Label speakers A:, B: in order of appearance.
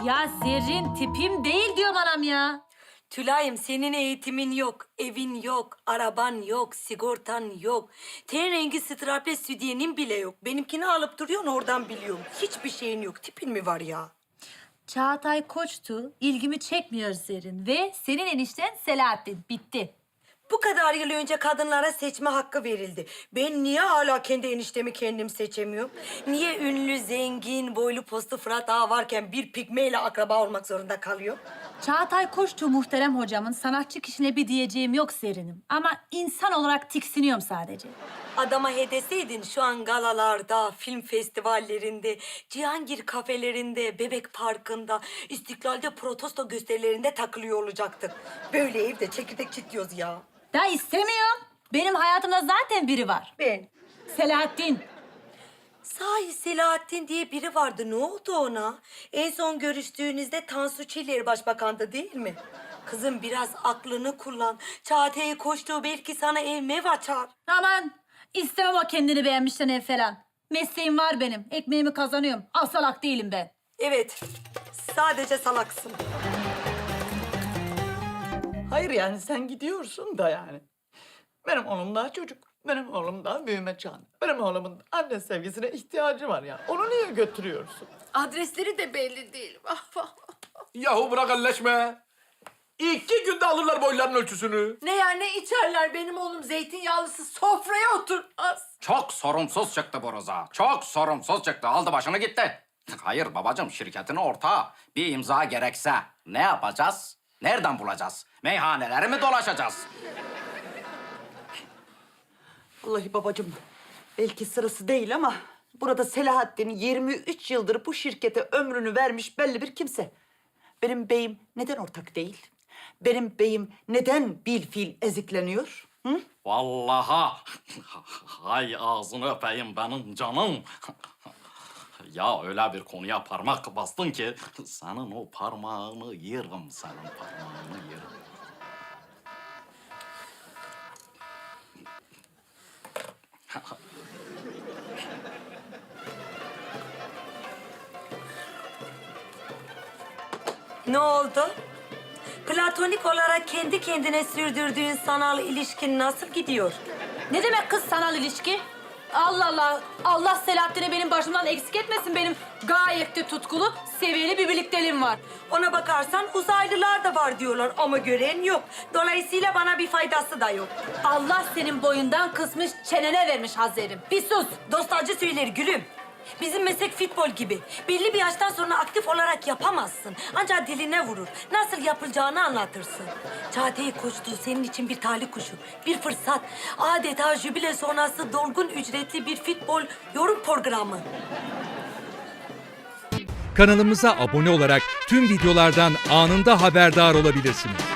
A: Ya Zerrin tipim değil diyorum anam ya.
B: Tülay'ım senin eğitimin yok, evin yok, araban yok, sigortan yok. Ten rengi strapless sütyenin bile yok. Benimkini alıp duruyorsun oradan biliyorum. Hiçbir şeyin yok. Tipin mi var ya?
A: Çağatay Koç'tu. İlgimi çekmiyor Zerrin. Ve senin enişten Selahattin. Bitti.
B: Bu kadar yıl önce kadınlara seçme hakkı verildi. Ben niye hala kendi eniştemi kendim seçemiyorum? Niye ünlü, zengin, boylu postlu Fırat Ağa varken bir pigmeyle akraba olmak zorunda kalıyor?
A: Çağatay Koç'tu muhterem hocamın. Sanatçı kişine bir diyeceğim yok Zerrin'im. Ama insan olarak tiksiniyorum sadece.
B: Adama hedeseydin şu an galalarda, film festivallerinde, Cihangir kafelerinde, Bebek Parkı'nda, İstiklal'de protesto gösterilerinde takılıyor olacaktık. Böyle evde çekirdek çitliyoruz ya.
A: Ben istemiyorum. Benim hayatımda zaten biri var.
B: Ben.
A: Selahattin.
B: Sahi Selahattin diye biri vardı. Ne oldu ona? En son görüştüğünüzde Tansu Çiller başbakandı değil mi? Kızım biraz aklını kullan. Çağatay'ı koştuğu belki sana ev mev açar.
A: Aman istemem o kendini beğenmişten ev falan. Mesleğim var benim. Ekmeğimi kazanıyorum. Asalak değilim ben.
B: Evet, sadece salaksın.
C: Hayır yani sen gidiyorsun da yani. Benim oğlum daha çocuk. Benim oğlum daha büyüme çağında. Benim oğlumun anne sevgisine ihtiyacı var ya. Onu niye götürüyorsun?
D: Adresleri de belli değil.
E: Yahu bırak elleşme. 2 günde alırlar boyların ölçüsünü.
D: Ne yer ne içerler, benim oğlum zeytinyağlısı sofraya oturmaz.
F: Çok sorumsuz çıktı bu Rıza. Çok sorumsuz çıktı. Aldı başını gitti. Hayır babacığım, şirketin ortağı. Bir imza gerekse ne yapacağız? Nereden bulacağız? Meyhaneleri mi dolaşacağız?
C: Vallahi babacığım belki sırası değil ama burada Selahattin 23 yıldır bu şirkete ömrünü vermiş belli bir kimse. Benim beyim neden ortak değil? Benim beyim neden bilfil ezikleniyor? Hı?
F: Vallahi hay ağzını öpeyim benim canım. Ya öyle bir konuya parmak bastın ki senin o parmağını yerim, senin parmağını yerim.
B: Ne oldu? Platonik olarak kendi kendine sürdürdüğün sanal ilişkin nasıl gidiyor?
A: Ne demek kız sanal ilişki? Allah Allah. Allah Selahattin'i benim başımdan eksik etmesin. Benim gayet de tutkulu, seviyeli bir birlikteliğim var.
B: Ona bakarsan uzaylılar da var diyorlar ama gören yok. Dolayısıyla bana bir faydası da yok.
A: Allah senin boyundan kısmış, çenene vermiş Hazrerim. Bir sus.
B: Dost acı söyler gülüm. Bizim meslek futbol gibi. Belli bir yaştan sonra aktif olarak yapamazsın. Ancak diline vurur. Nasıl yapılacağını anlatırsın. Çağatay Koçtu senin için bir talih kuşu. Bir fırsat. Adeta jübile sonrası dolgun ücretli bir futbol yorum programı.
G: Kanalımıza abone olarak tüm videolardan anında haberdar olabilirsiniz.